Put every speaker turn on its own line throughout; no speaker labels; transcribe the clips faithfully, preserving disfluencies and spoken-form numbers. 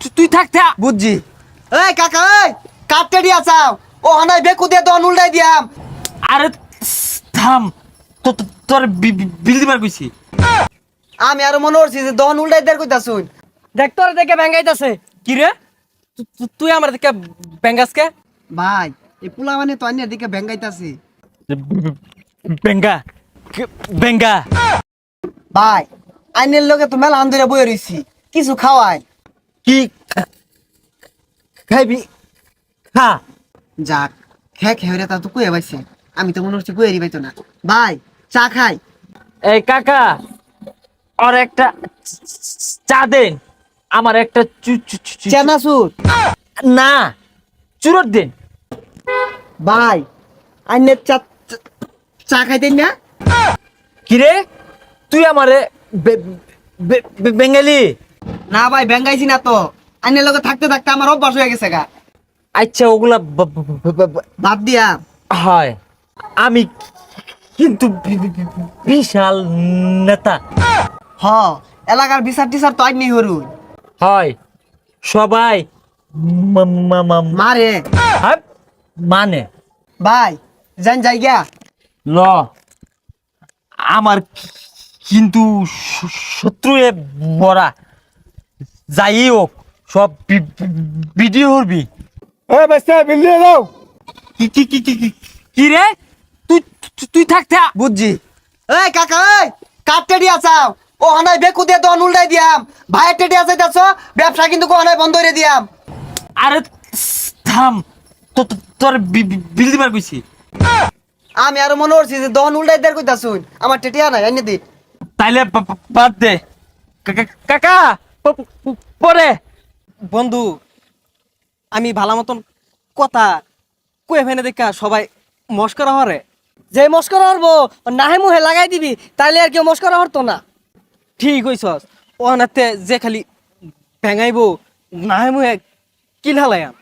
তুই থাকতে
বুঝছি। এই কাকা এই কাটতে দিয়া চাও ও হানাই বেকু দিয়ে দন উল্টাই দিয়াম।
আরে থাম তো তোর বিল দিবার কইছি।
আমি আরো মনে করছি যে দন উল্টাই দেয়ার কইতা শুন।
দেখ তোর দেখে ব্যাঙ্গাইতাছে কি রে তু- তু- তুই আমার দিকে ব্যাঙ্গাসকে
ভাই এই পোলা মানে তো আইনের দিকে ব্যাঙ্গাইতাছি।
বেঙ্গা বেঙ্গা
ভাই আইনের লগে তো মেলা আন্দরে বই রইছি কিছু খাওয়াই।
কি খাইবি খা।
যাক খে খেয়ে তা তো কুয়ে পাইছে আমি তো মনে হচ্ছে কুয়েরই পাইতো না। ভাই চা খাই।
এই কাকা আর একটা চা দেন, আমার একটা চু- চু- চু- চু-
চেনাচুর
না চুরোট দেন।
ভাই আইনের চা চা- চা খাইতেন না?
কিরে তুই আমারে বে- বে- বে- বেঙ্গালি?
না ভাই ব্যাঙ্গাইছি না তো আইনের লগে থাকতে থাকতে আমার অভ্যাস হয়ে গেছে গা।
আচ্ছা ওগুলা ব- ব- ব- ব- ব-
বাদ দিয়া
হয় আমি কিন্তু বি- বি- বি- বিশাল নেতা
হ এলাকার বিচার টিচার তো আইনি হরুন
হয় সবাই মা- মা- মা-
মারে।
হ্যাঁ, মানে
ভাই যান যাই গিয়া।
ল আমার কিন্তু শ- শত্রু এ বড়া যাই হোক সব বি- বি- ভিডিও করবি।
এই বাচ্চা বিল দিয়ে দাও
কি কি কি কি কি- কি রে তুই তুই- তুই থাকতে
বুঝছি। এই কাকা এই কাটতে দিয়া চাও ও হানাই বেকু দিয়ে দন উল্টাই দিয়াম। ভাইয়ের টেডিয়া যাইতাছ ব্যবসা কিন্তু কোহানায় বন্ধ করে দিয়াম।
আরে থাম তো তো- তোর বি- বি- বিল দিবার কইছি।
আমি আরো মনে করছি যে দন উল্টাই দেয়ার কইতা শুন আমার টেটিয়া নাই আইনে দি।
তাইলে বা- বা- বাদ দে কাকা- কাকা প- প- পরে
বন্ধু আমি ভালো মতন কথা কয়ে ফেনে দেখা সবাই মস্করা হরে যে মস্করা হরবো নাহে মুহে লাগাই দিবি তাইলে আর কেউ মস্করা হরতো না। ঠিক হইছস ও নাতে যে খালি ভেঙাইবো নাহে মুহে কিল হালায়াম।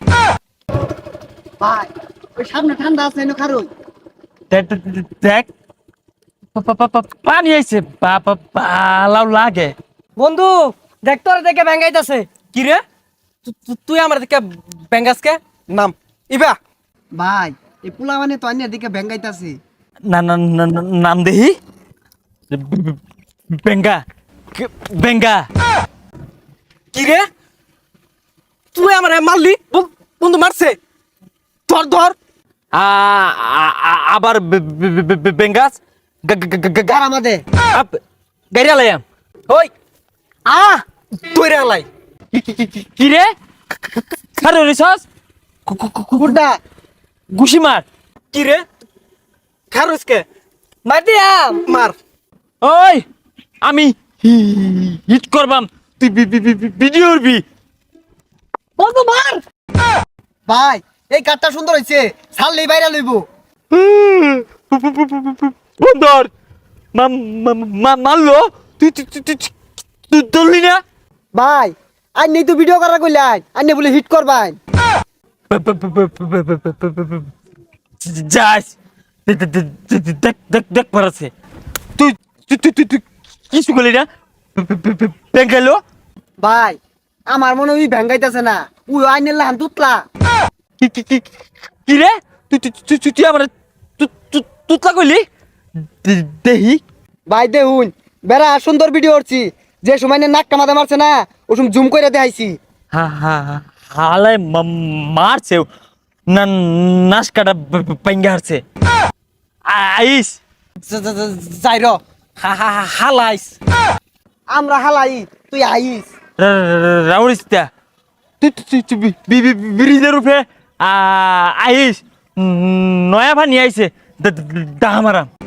ভাই ওই সামনে ঠান্ডা আছে এনে খারুই।
দেখ দেখ- দেখ- দেখ পা- পা- পা- পা- পানি আইছে বা- বা- ভালো লাগে।
বন্ধু দেখ তোর দেখে ব্যাঙ্গাইতাছে কি রে তু- তু- তুই আমার দিকে ব্যাঙ্গাসকে নাম ইবা
ভাই এই পোলা মানে তো আইনের দিকে ব্যাঙ্গাইতাছি।
না না না না- নাম দেহি বেঙ্গা বেঙ্গা
কি রে তুই আমার মারলি বল- বন্ধু মারছে ধর ধর
আ- আ- আ- আবার বে- বে- বে- বে- বেঙ্গাস গা- গা- গা- গা-
গার আমাদের
আপ- গাড়ি আলাইয়াম
ওই আ তুই রে আলাই
কি রে খারে রিসস
কুকুরটা
গুশি মার।
কি রে খারুসকে মার দিয়াম মার
ওই আমি হি- হিট করবাম তুই বি- বি- বি- ভিডিও করবি।
বন্ধু মার
ভাই এই কাঠটা সুন্দর হইছে ছাড়লেই বাইরে লইব।
বন্দর মারলো তুই তুই তুই তুই- তুই ধরলি না।
ভাই আইনি তো ভিডিও করা কইলাই আইনি বলে হিট করবাই।
যাস দেখ দেখ দেখ দেখ পারাছে তুই তুই তুই তুই তুই কিছু করলি না বেঙ্গালো।
ভাই আমার মনে হয় ভেঙ্গাইতেছে না উই আইনের লাহান তুতলা।
কি কি কি কি রে তুই তুই তুই তুই তুই আমার তুতলা কইলি দেহি।
ভাই দেখুন বেড়া সুন্দর ভিডিও করছি যে সময় নাক কামাতে মারছে না ও সময় জুম করে দেখাইছি।
হা হা হালাই মারছে না নাশ কাটা পাইঙ্গা হারছে আইস
যাই র হা হা হা হালাইস
আমরা হালাই তুই আইস।
রাউরিস্তা তুই তুই তুই ব্রিজের উপরে আইস নয়া পানি আইছে দাহামারাম